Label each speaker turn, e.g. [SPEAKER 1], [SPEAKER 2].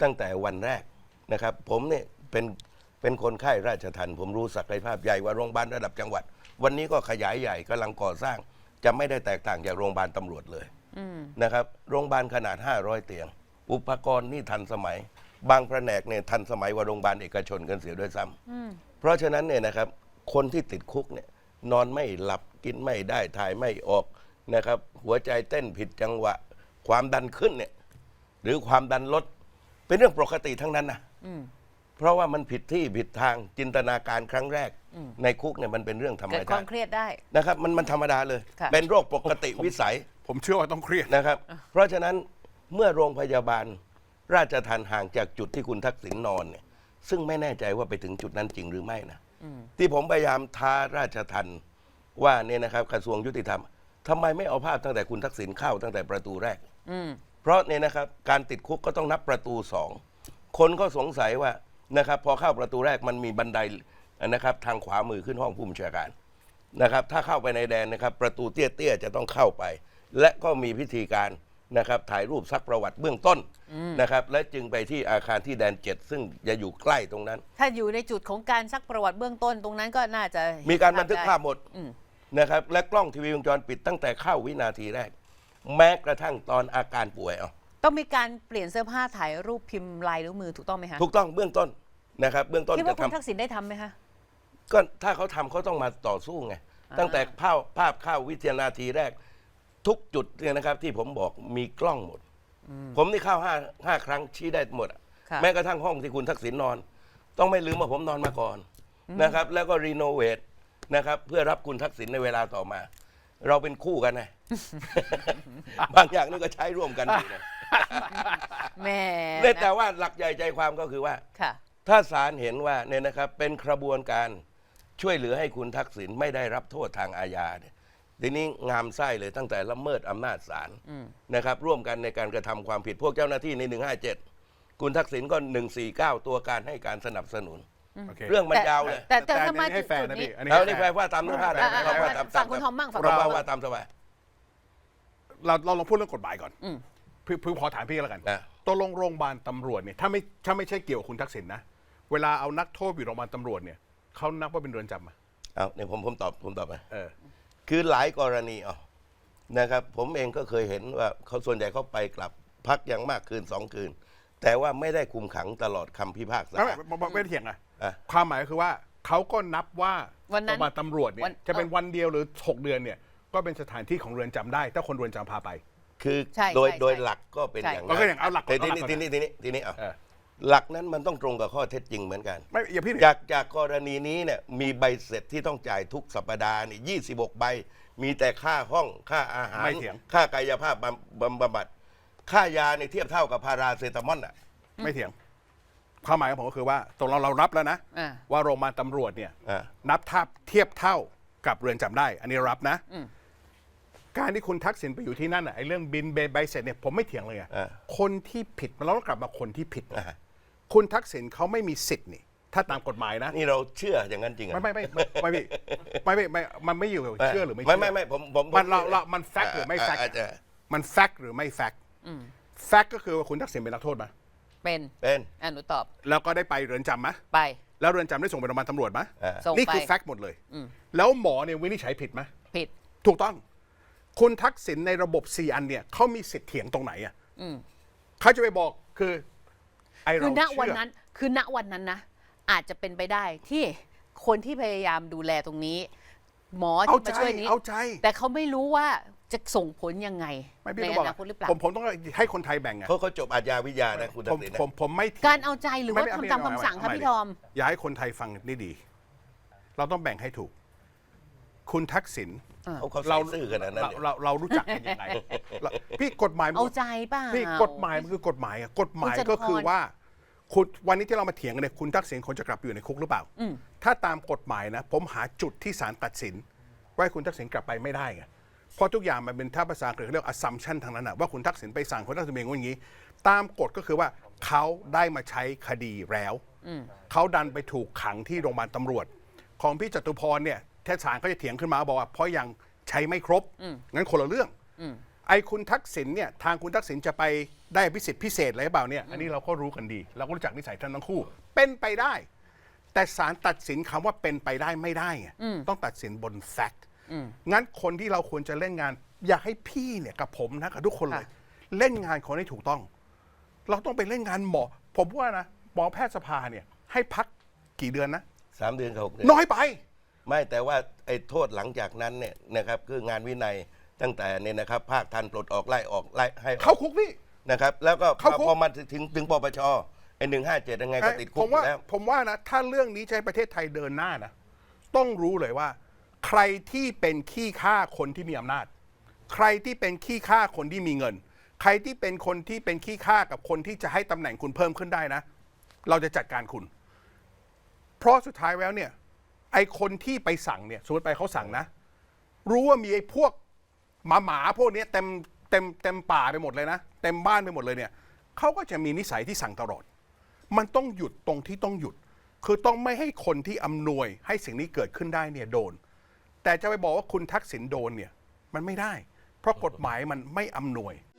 [SPEAKER 1] ตั้งแต่วันแรกนะครับผมเนี่ยเป็นคนไข้ราชทัณฑ์ผมรู้ศักยภาพใหญ่กว่าโรงพยาบาลระดับจังหวัดวันนี้ก็ขยายใหญ่กำลังก่อสร้างจะไม่ได้แตกต่างจากโรงพยาบาลตำรวจเลยนะครับโรงพยาบาลขนาด500เตียงอุปกรณ์นี่ทันสมัยบางแผนกเนี่ยทันสมัยกว่าโรงพยาบาลเอกชนกันเสียด้วยซ้ำเพราะฉะนั้นเนี่ยนะครับคนที่ติดคุกเนี่ยนอนไม่หลับกินไม่ได้ถ่ายไม่ออกนะครับหัวใจเต้นผิดจังหวะความดันขึ้นเนี่ยหรือความดันลดเป็นเรื่องปกติทั้งนั้นนะเพราะว่ามันผิดที่ผิดทางจินตนาการครั้งแรกในคุกเนี่ยมันเป็นเรื่องธรรมดา
[SPEAKER 2] เกิดความเครียดได้
[SPEAKER 1] นะครับมันธรรมดาเลยเป็นโรคปกติวิสัย
[SPEAKER 3] ผมเชื่อว่าต้องเครียด
[SPEAKER 1] นะครับเพราะฉะนั้นเมื่อโรงพยาบาลราชทัณฑ์ห่างจากจุดที่คุณทักษิณนอนเนี่ยซึ่งไม่แน่ใจว่าไปถึงจุดนั้นจริงหรือไม่นะที่ผมพยายามท้าราชทัณฑ์ว่าเนี่ยนะครับกระทรวงยุติธรรมทำไมไม่เอาภาพตั้งแต่คุณทักษิณเข้าตั้งแต่ประตูแรกเพราะเนี่ยนะครับการติดคุกก็ต้องนับประตู2คนก็สงสัยว่านะครับพอเข้าประตูแรกมันมีบันไดนะครับทางขวามือขึ้นห้องผู้บัญชาการนะครับถ้าเข้าไปในแดนนะครับประตูเตี้ยๆจะต้องเข้าไปและก็มีพิธีการนะครับถ่ายรูปซักประวัติเบื้องต้นนะครับและจึงไปที่อาคารที่แดน7ซึ่งจะอยู่ใกล้ตรงนั้น
[SPEAKER 2] ถ้าอยู่ในจุดของการซักประวัติเบื้องต้นตรงนั้นก็น่าจะ
[SPEAKER 1] มีการบันทึกภาพหมดนะครับและกล้องทีวีวงจรปิดตั้งแต่เข้าวินาทีแรกแม้กระทั่งตอนอาการป่วย
[SPEAKER 2] ต้องมีการเปลี่ยนเสื้อผ้าถ่ายรูปพิมพ์ลายนิ้วมือถูกต้องไหมคะ
[SPEAKER 1] ถูกต้องเบื้องต้นนะครับเบื้องต้น
[SPEAKER 2] คิดว่าคุณทักษิณได้ทำไหมคะ
[SPEAKER 1] ก็ถ้าเขาทำเขาต้องมาต่อสู้ไงตั้งแต่ภาพเข้าวินาทีแรกทุกจุดเนี่ยนะครับที่ผมบอกมีกล้องหมดผมนี่เข้าห้าครั้งชี้ได้หมดแม้กระทั่งห้องที่คุณทักษิณนอนต้องไม่ลืมว่าผมนอนมาก่อนนะครับแล้วก็รีโนเวทนะครับเพื่อรับคุณทักษิณในเวลาต่อมาเราเป็นคู่กันนะ บางอย่างนี่ก็ใช้ร่วมกันอยู่นะ
[SPEAKER 2] แม่
[SPEAKER 1] แต่ว่าหลักใหญ่ใจความก็คือว่าถ้าศาลเห็นว่าเนี่ยนะครับเป็นกระบวนการช่วยเหลือให้คุณทักษิณไม่ได้รับโทษทางอาญาเนี่ยทีนี้งามไส้เลยตั้งแต่ละเมิดอำนาจศาลนะครับร่วมกันในการกระทำความผิดพวกเจ้าหน้าที่ใน157คุณทักษิณก็149ตัวการให้การสนับสนุนเรื่องมันยาวเลย
[SPEAKER 2] แต่ถ้ามา
[SPEAKER 3] ให้แฟนนะพี่
[SPEAKER 1] อันนี้แฟนว่าตามเนื้อผ้าได้
[SPEAKER 2] ฝั่งคุณทอมบ้างฝั่ง
[SPEAKER 1] เราว่าตามสบาย
[SPEAKER 3] เราลองพูดเรื่องกฎหมายก่อนเพิ่งพอถามพี่แล้วกันตัวโรงพยาบาลตำรวจเนี่ยถ้าไม่ใช่เกี่ยวกับคุณทักษิณนะเวลาเอานักโทษอยู่โรงพยาบาลตำรวจเนี่ยเขานับว่าเป็นเรือนจำอ่ะ
[SPEAKER 1] เนี่ยผมตอบไปคือหลายกรณีนะครับผมเองก็เคยเห็นว่าเขาส่วนใหญ่เขาไปกลับพักอย่างมากคืน2 คืนแต่ว่าไม่ได้คุมขังตลอดคำพิพากษา
[SPEAKER 3] ไม่เถียงอ่ะความหมายคือว่าเขาก็นับว่าโรงพยาบาลตำรวจเนี่ยจะเป็นวันเดียวหรือ6 เดือนเนี่ยก็เป็นสถานที่ของเรือนจำได้ถ้าคนเรือนจำพาไป
[SPEAKER 1] คือโดยหลักก็เป็นอย่างนั้น
[SPEAKER 3] ก็อย่างเอาหลัก
[SPEAKER 1] ทีนี้หลักนั้นมันต้องตรงกับข้อเท็จจริงเหมือนกัน
[SPEAKER 3] ไม่อย่าพี่
[SPEAKER 1] จากกรณีนี้เนี่ยมีใบเสร็จที่ต้องจ่ายทุกสัปดาห์นี่26 ใบมีแต่ค่าห้องค่าอาหารค่ากายภาพบำบัดค่ายาในเทียบเท่ากับพาราเซตามอล
[SPEAKER 3] ไม่เถียงความหมายของผมก็คือว่าตรงเรารับแล้วนะว่าโรงพยาบาลตำรวจเนี่ยนับเทียบเท่ากับเรือนจำได้อันนี้รับนะการที่คุณทักษิณไปอยู่ที่นั่นไอ้เรื่องบินใบเสร็จเนี่ยผมไม่เถียงเลยคนที่ผิดเราต้องกลับมาคนที่ผิดคุณทักษิณเขาไม่มีสิทธิ์นี่ถ้าตามกฎหมายนะ
[SPEAKER 1] นี่เราเชื่ออย่างนั้นจริง
[SPEAKER 3] ไม่มันไม่อยู่เชื่อหรือไม่
[SPEAKER 1] ไม่ผม
[SPEAKER 3] มันแฟกต์หรือไม่แฟกต์มันแฟกต์หรือไม่แฟกต์แฟกต์ก็คือว่าคุณทักษิณเป็นนักโทษไหม
[SPEAKER 2] เป็นหนูตอบ
[SPEAKER 3] แล้วก็ได้ไปเรือนจำไหม
[SPEAKER 2] ไป
[SPEAKER 3] แล้วเรือนจำได้ส่งไปโรงพยาบาลตำรวจไหมนี่คือแฟกต์หมดเลยแล้วหมอเนี่ยวินิจฉัยผิดไหม
[SPEAKER 2] ผิด
[SPEAKER 3] ถูกต้องคุณทักษิณในระบบ4 อันเนี่ยเขามีสิทธิ์เถียงตรงไหนอ่ะเขาจะไปบอกคือ
[SPEAKER 2] ณวันนั้นนะอาจจะเป็นไปได้ที่คนที่พยายามดูแลตรงนี้หมอที่มาช่วยนี้แต่เขาไม่รู้ว่าจะส่งผลยังไงในอนาคตหรือเปล่า
[SPEAKER 3] ผมต้องให้คนไทยแบ่งไง
[SPEAKER 1] เขาจบอาญาวิทยานะคุณทักษิณ
[SPEAKER 3] ผมไม่
[SPEAKER 2] การเอาใจหรือว่าทำตามคำสั่งครับพี่ทอม
[SPEAKER 3] อย่าให้คนไทยฟังนี่ดีเราต้องแบ่งให้ถูกคุณทักษิณ
[SPEAKER 1] เราซื่อกันนะ
[SPEAKER 3] เรารู้จักกันยังไงพี่กฎหมาย
[SPEAKER 2] เอาใจป่ะ
[SPEAKER 3] พี่กฎหมายมันคือกฎหมายกฎหมายก็คือว่าคุณวันนี้ที่เรามาเถียงกันเนี่ยคุณทักษิณควรจะกลับไปอยู่ในคุกหรือเปล่าถ้าตามกฎหมายนะผมหาจุดที่ศาลตัดสินว่าคุณทักษิณกลับไปไม่ได้ไงเพราะทุกอย่างมันเป็นถ้าภาษาอังกฤษเรียก assumption ทางนั้นนะว่าคุณทักษิณไปสั่งคุณทักษิณเป็นอย่างนี้ตามกฎก็คือว่าเขาได้มาใช้คดีแล้วเขาดันไปถูกขังที่โรงพยาบาลตำรวจของพี่จตุพรเนี่ยเทศศาลก็จะเถียงขึ้นมาบอกว่าเพราะยังใช้ไม่ครบงั้นคนละเรื่องไอ้คุณทักษิณเนี่ยทางคุณทักษิณจะไปได้อภิสิทธิ์พิเศษอะไรหรือเปล่าเนี่ยอันนี้เราก็รู้กันดี เราก็รู้จักนิสัยท่านทั้งคู่ เป็นไปได้ แต่ศาลตัดสินคำว่าเป็นไปได้ไม่ได้ไงต้องตัดสินบนแฟกต์งั้นคนที่เราควรจะเล่นงาน อยากให้พี่เนี่ยกับผมนะกับทุกคนเลย เล่นงานคนให้ถูกต้อง เราต้องไปเล่นงานหมอ ผมว่านะหมอแพทยสภาเนี่ยให้พักกี่เดือนนะ
[SPEAKER 1] 3 เดือนกับ6 เดือน
[SPEAKER 3] น้อยไป
[SPEAKER 1] ไม่แต่ว่าไอ้โทษหลังจากนั้นเนี่ยนะครับคืองานวินัยตั้งแต่เนี่ยนะครับภาคทันปลดออกไล่ออกไล่ให้ออก
[SPEAKER 3] เข้าคุกพี่
[SPEAKER 1] นะครับแล้วก็
[SPEAKER 3] เข้าคุก
[SPEAKER 1] พอมาถึงปปชไอ้157ยังไงก็ติดคุ
[SPEAKER 3] ผ
[SPEAKER 1] ก
[SPEAKER 3] ม
[SPEAKER 1] อยู่
[SPEAKER 3] ว่า
[SPEAKER 1] แล้ว
[SPEAKER 3] ผมว่านะถ้าเรื่องนี้จะให้ประเทศไทยเดินหน้านะต้องรู้เลยว่า ใครที่เป็นขี้ข้าคนที่มีอำนาจ ใครที่เป็นขี้ข้าคนที่มีเงิน ใครที่เป็นคนที่เป็นขี้ข้ากับคนที่จะให้ตำแหน่งคุณเพิ่มขึ้นได้นะ เราจะจัดการคุณ เพราะสุดท้ายแล้วเนี่ยไอคนที่ไปสั่งเนี่ยสมมติไปเขาสั่งนะ รู้ว่ามีไอ้พวกหมาพวกเนี้ยเต็มป่าไปหมดเลยนะเต็มบ้านไปหมดเลยเนี่ยเขาก็จะมีนิสัยที่สั่งตลอด มันต้องหยุดตรงที่ต้องหยุด คือต้องไม่ให้คนที่อำนวยให้สิ่งนี้เกิดขึ้นได้เนี่ยโดน แต่จะไปบอกว่าคุณทักษิณโดนเนี่ยมันไม่ได้ เพราะกฎหมายมันไม่อำนวย